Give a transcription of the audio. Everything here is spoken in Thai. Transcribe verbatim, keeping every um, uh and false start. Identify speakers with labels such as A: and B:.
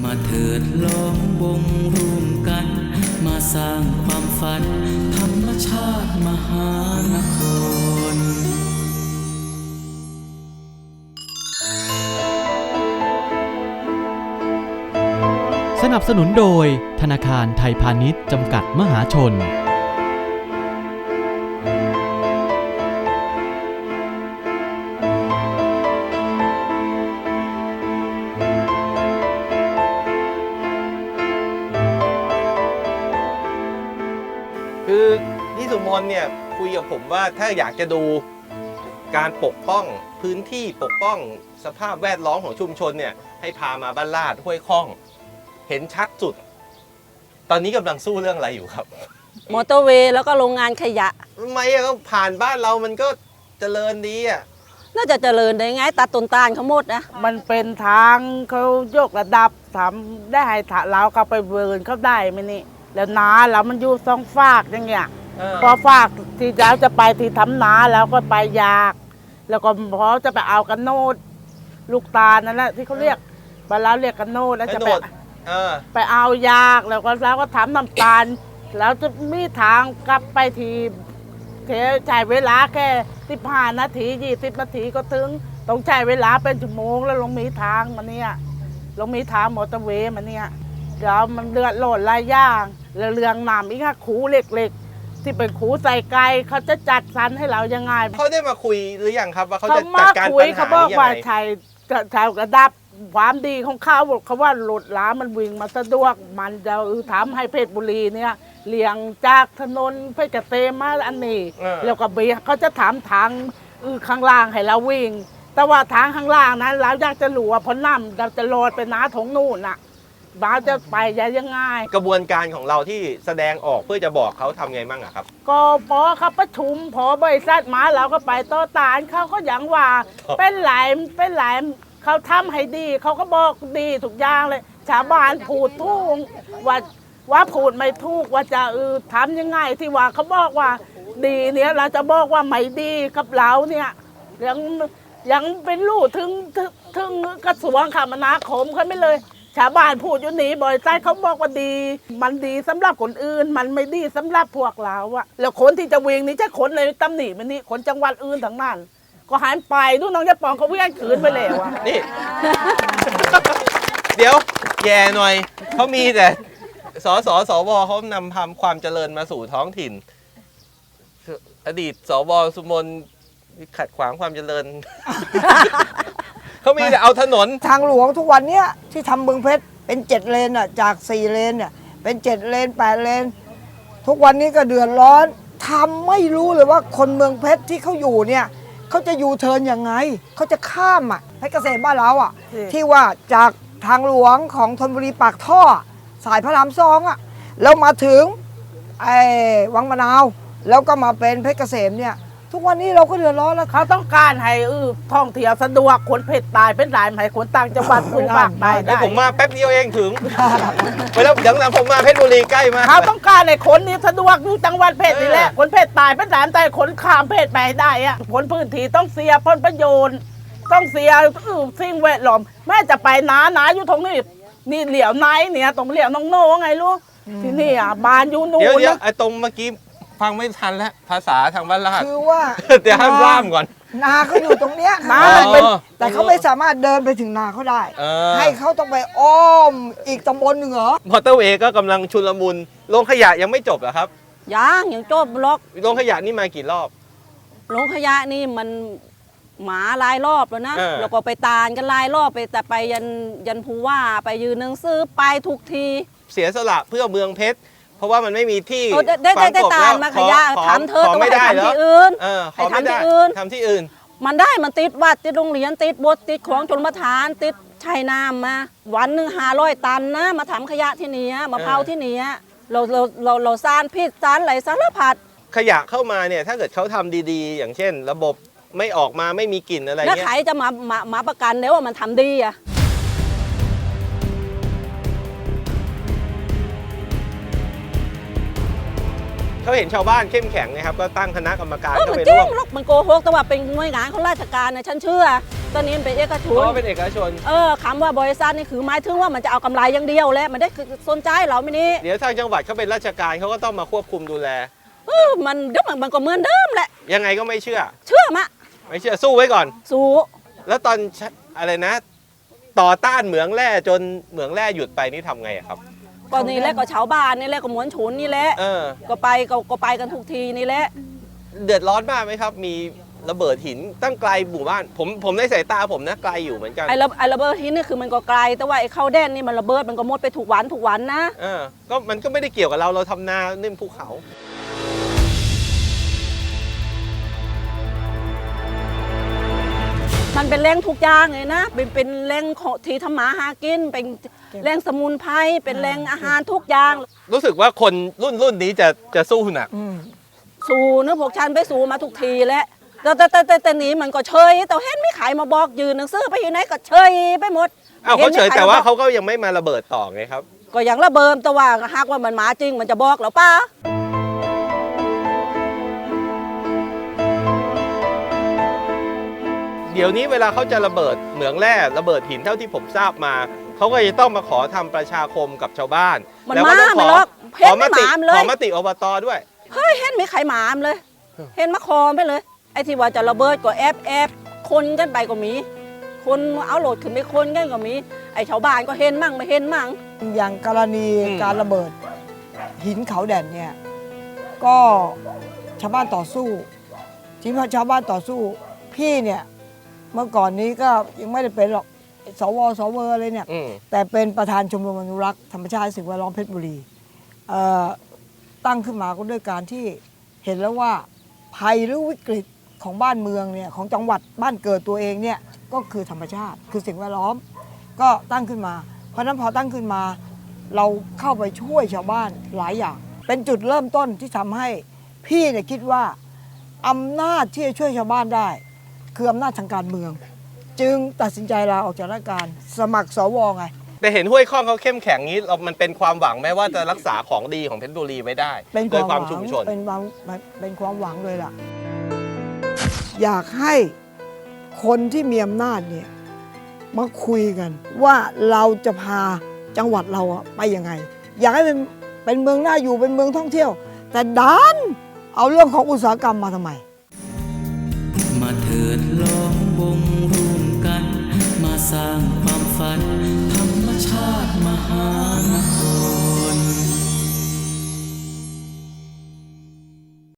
A: มาเถิดล้อมวงร่วมกันมาสร้างความฝันธรรมชาติมหานคร
B: สนับสนุนโดยธนาคารไทยพาณิชย์จำกัดมหาชน
C: คือพี่สุมนเนี่ยคุยกับผมว่าถ้าอยากจะดูการปกป้องพื้นที่ปกป้องสภาพแวดล้อมของชุมชนเนี่ยให้พามาบ้านลาดห้วยข้องเห็นชัดสุดตอนนี้กำลังสู้เรื่องอะไรอยู่ครับ
D: มอเตอร์เวย์แล้วก็โรงงานขยะ
C: ทำไมอะก็ผ่านบ้านเรามันก็เจริญดีอ่ะ
D: น่าจะเจริญได้ไงตัดต้นตาลเขาหมดนะ
E: มันเป็นทางเขายกระดับทำได้ให้เราเขาไปเวิร์นเขาได้ไหมนี่แล้วนาเรามันอยู่สองฝากอย่างเงี้ยพอฝากที่เราจะไปที่ทำนาแล้วก็ไปยากแล้วก็พอจะไปเอากันโนดลูกตาลนั่นแหละที่เขาเรียกบ้านเราเรียกกันโนดแล้วจะไปไปเอายากแล้วก็แล้วก็ทำน้ำตาลแล้วจะมีทางกลับไปทีเทใช้เวลาแค่สิบห้านาทียี่สิบนาทีก็ถึงต้องใช้เวลาเป็นชั่วโมงแล้วลงมีทางมาเนี่ยลงมีทางมอเตอร์เวย์มาเนี่ยแล้วมันเดือดร้อนหลายอย่างแล้วเรื่องน้ำอีกค่ะขูเล็กๆที่เป็นขูใส่ไก่เขาจะจัดสรรให้เรายังไง
C: เขาได้มาคุยหรือยังครับว่าเขาจะจัดการปัญหานี้ยังไง
E: เขาบอกว่าใช้ใช้กระดับความดีของเขาเขาว่าหลุดล้ามันวิ่งมาสะดวกมันจะทำให้เพชรบุรีเนี่ยเลี่ยงจากถนนเพชรเกษมมาอันนี้แล้วก็เบียเขาจะถามทางข้างล่างให้เราวิ่งแต่ว่าทางข้างล่างนั้นเราอยากจะหลัวพ้นน้ำเราจะโรดไปน้าถงนู่นน่ะบ้าจะไปยังไง
C: กระบวนการของเราที่แสดงออกเพื่อจะบอกเขาทำไงบ้างอะครับ
E: ก็พอเขาประชุมพอบริษัทมาเราก็ไปต่อตานเขาก็อย่างว่าเป็นหลายเป็นหลายเขาทำให้ดีเขาก็บอกดีทุกอย่างเลยชาวบ้านพูดทุกว่าว่าพูดไม่ถูกว่าจะเออทำยังไงที่ว่าเขาบอกว่าดีเนี่ยเราจะบอกว่าไม่ดีกับเราเนี่ยยังยังเป็นลูกถึงถึงกระทรวงคมนาคมเขาไม่เลยชาวบ้านพูดอยู่หนีบ่อยใจเขาบอกว่าดีมันดีสำหรับคนอื่นมันไม่ดีสำหรับพวกเราอะแล้วคนที่จะวิ่งนี่จะคนเลยตำหนิมันนี่คนจังหวัดอื่นทั้งนั้นก็หายไปดูน้องยะปองเขาวิ่งขืนไปแล้วอะ
C: นี่ เดี๋ยวแย่หน่อยเขามีแต่สสสวเขานำทำความเจริญมาสู่ท้องถิ่นอดีตสวสุมนขัดขวางความเจริญ เขามีแต่เอาถนน
F: ทางหลวงทุกวันเนี้ยที่ทำเมืองเพชรเป็นเจ็ดเลนอ่ะจากสี่เลนเนี่ยเป็นเจ็ดเลนแปดเลนทุกวันนี้ก็เดือดร้อนทำไม่รู้เลยว่าคนเมืองเพชรที่เขาอยู่เนี่ยเขาจะยูเทิร์นยังไงเขาจะข้ามอ่ะเพชรเกษมบ้านเราอ่ะที่ว่าจากทางหลวงของธนบุรีปากท่อสายพระรามสองอ่ะแล้วมาถึงไอ้วังมะนาวแล้วก็มาเป็นเพชรเกษมเนี่ยทุกวันนี้เราก็เดือดร้อนแล้ว
E: เขาต้องการให้เออท่องเที่ยวสะดวกคนเพชรตายเป็นหลายให้คนต่างจังหวัดคุณภาคได้
C: ได้ผมมาแป๊บเดียวเองถึงไปแล้วอย่างนั้นผมมาเพชรบุรีใกล้มาก
E: เขาต้องการให้คนนี้สะดวกอยู่จังหวัดเพชรนี่แหละคนเพชรตายเป็นหลายแต่คนข้ามเพชรไปได้อะผลพื้นที่ต้องเสียผลประโยชน์ต้องเสียสิ่งแวดล้อมแม่จะไปหนาหนาอยู่ตรงนี้นี่เหลี่ยวไหนเนี่ยตรงเหลี่ยวน้องโน่ไงลูกที่นี่อ่ะบานอยู่นู่น
C: เดี๋ยวเดี๋ยวไอ้ตรงเมื่อกี้ฟังไม่ทันแล้วภาษาทางบ้านลาด
F: คือว่า
C: เดี๋ยวห้ามล่ามก่อน
F: นาเขาอยู่ตรงเนี้ยนาเป็นแต่เขาไม่สามารถเดินไปถึงนาเขาได้ให้เขาต้องไปอ้อมอีกตำบลหนึ่งเหรอ
C: มอเตอร์เวย์ก็กำลังชุลมุนโรงขยะยังไม่จบเหรอครับ
D: ยังยังจบล็อก
C: โรงขยะนี่มากี่รอบ
D: โรงขยะนี่มันหมาหลายรอบแล้วนะแล้วก็ไปตาลกันหลายรอบไปแต่ไปยันยันผู้ว่าไปยืนหนังสือไปทุกที
C: เสียสละเพื่อเมืองเพชรเพราะว่ามันไม่มีที่
D: ได้ได้ได้ตาลมาขยะทำเธอต้องไปทำที่อื่น
C: ให้ทำที่อื่นทำที่อื่น
D: มันได้มันติดวัดติดโรงเรียนติดบทติดของชนประทานติดชัยน้ำมาวันหนึ่งห้าร้อยตันนะมาทำขยะที่นี่มาเผาที่นี่เราเราเราเราสารพิษสารไหลสารพัด
C: ขยะเข้ามาเนี่ยถ้าเกิดเขาทำดีๆอย่างเช่นระบบไม่ออกมาไม่มีกลิ่นอะไรเงี้ย
D: แล้วใครจะมามามาประกันได้ว่ามันทำดีอะ
C: เขาเห็นชาวบ้านเข้มแข็งนะครับก็ตั้งคณะกรรมการ
D: เออ
C: เข้า
D: มัน
C: ไป
D: จริ
C: ร่ว
D: ง
C: ม
D: หรอกมันโกหกแต่ว่าเป็นหน่วยงานของราชการนะฉันเชื่อตอนนี้มันเป็นเอกช
C: เพ
D: น
C: ราะว่าเป็นเอกชน
D: เออคำว่าบริษัทนี่คือหมายถึงว่ามันจะเอากำไรอย่างเดียวแหละมันได้คือสนใจเราไม่นี่
C: เดี๋ยวทางจังหวัดเขาเป็นราชการเขาก็ต้องมาควบคุมดูแล
D: เออมันเดี๋ยวมันมันก็เหมือนเดิมแหละ
C: ยังไงก็ไม่เชื่อ
D: เชื่อมะ
C: ไม่เชื่อสู้ไว้ก่อน
D: สู้
C: แล้วตอนอะไรนะ ต่อต้านเหมืองแร่จนเหมืองแร่หยุดไปนี่ทำไงอะครับ
D: ก็นี่แหละก็ชาวบ้านนี่แหละก็มวลชนนี่แหละ
C: เออ
D: ก็ไปก็ก็ไปกันทุกทีนี่แหละ
C: เดือดร้อนมากไหมครับ มีระเบิดหินตั้งไกลหมู่บ้าน ผมผมในสายตาผมนะไกลอยู่เหมือนกัน
D: ไอ้ระไอ้ระเบิดที่นี่คือมันก็ไกลแต่ว่าไอ้เข้าแดนนี่มันระเบิดมันก็หมดไปถูกวันถูกวันนะ
C: เออก็มันก็ไม่ได้เกี่ยวกับเราเราทำนาเน่นภูเขา
D: มันเป็นแรงทุกอย่างเลยนะเป็นเป็นแรงของที่ทำมาหากินเป็นแรงสมุนไพรเป็นแรงอาหารทุกอย่าง
C: รู้สึกว่าคนรุ่นรุ่นนี้จะจะสู้หนัก
F: อืม
D: สู้เนื้อพวกฉันไปสู้มาทุกทีแล้วแต่แต่แต่แต่แต่หนี้มันก็เฉยแต่เห็นไม่ขายมาบอกยืนหนังสือไปที่ไหนก็เฉยไปหมด
C: อ้าวเขาเฉย
D: ห็นไม่ข
C: แต่ว่า
D: บอก
C: เขาก็ยังไม่มาระเบิดต่อไงครับ
D: ก็อย่างระเบิดแต่ว่าหากว่ามันมาจริงมันจะบอกหรอป้า
C: เดี๋ยวนี้เวลาเขาจะระเบิดเหมืองแร่ระเบิดหินเท่าที่ผมทราบมาเขาก็จะต้องมาขอทำประชาคมกับชาวบ้าน
D: มัน
C: แล้ว
D: มา
C: ก็ต้องข
D: ไม่
C: อ
D: หรอก
C: ข
D: เห็น
C: อม
D: ไม่
C: ติ
D: หมามเลย
C: ขอมติอบตด้วย
D: เฮ้ยเห็นไม่ไขหมามเลย เห็นมะคอมไปเลย ไอ้ที่ว่าจะระเบิดก็แอบแอบคนกันไปก็มี คนเอาโหลดขึ้นไปคนกันก็มี ไอ้ชาวบ้านก็เห็นมั่งไม่เห็นมั่ง
F: อย่างกรณี
C: อืม
F: การระเบิดหินเขาแด่นเนี่ยก็ชาวบ้านต่อสู้ที่พอชาวบ้านต่อสู้ พี่เนี่ยเมื่อก่อนนี้ก็ยังไม่ได้เป็นหรอกสวสวอะไรเนี่ย
C: อืม
F: แต่เป็นประธานชมรมอนุรักษ์ธรรมชาติและสิ่งแวดล้อมเพชรบุรีเอ่อตั้งขึ้นมาก็ด้วยการที่เห็นแล้วว่าภัยหรือวิกฤตของบ้านเมืองเนี่ยของจังหวัดบ้านเกิดตัวเองเนี่ยก็คือธรรมชาติคือสิ่งแวดล้อม ก็ตั้งขึ้นมา เพราะฉะนั้นพอตั้งขึ้นมา เราเข้าไปช่วยชาวบ้านหลายอย่าง เป็นจุดเริ่มต้นที่ทำให้พี่เนี่ยคิดว่าอำนาจที่จะช่วยชาวบ้านได้ คืออำนาจทางการเมือง จึงตัดสินใจลาออกจากราชการสมัครสวไง
C: แต่เห็นห้วยข้องเขาเข้มแข็งนี้เรามันเป็นความหวังไหมว่าจะรักษาของดีของเพชรบุรีไว้ได้
F: เป็น
C: โด
F: ค
C: ยว
F: าม
C: ความ
F: หวัง
C: ชุมชน
F: เป็นความเป็นความหวังเลยล่ะ อยากให้คนที่มีอำนาจเนี่ยมาคุยกัน ว่าเราจะพาจังหวัดเราอะไปยังไง อยากให้เป็นเป็นเมืองน่าอยู่เป็นเมืองท่องเที่ยว แต่ดันเอาเรื่องของอุตสาหกรรมมาทำไม
A: มาเถิดลองวงรวมกัน มาสร้างความฝัน ธรรมชาติมหานคร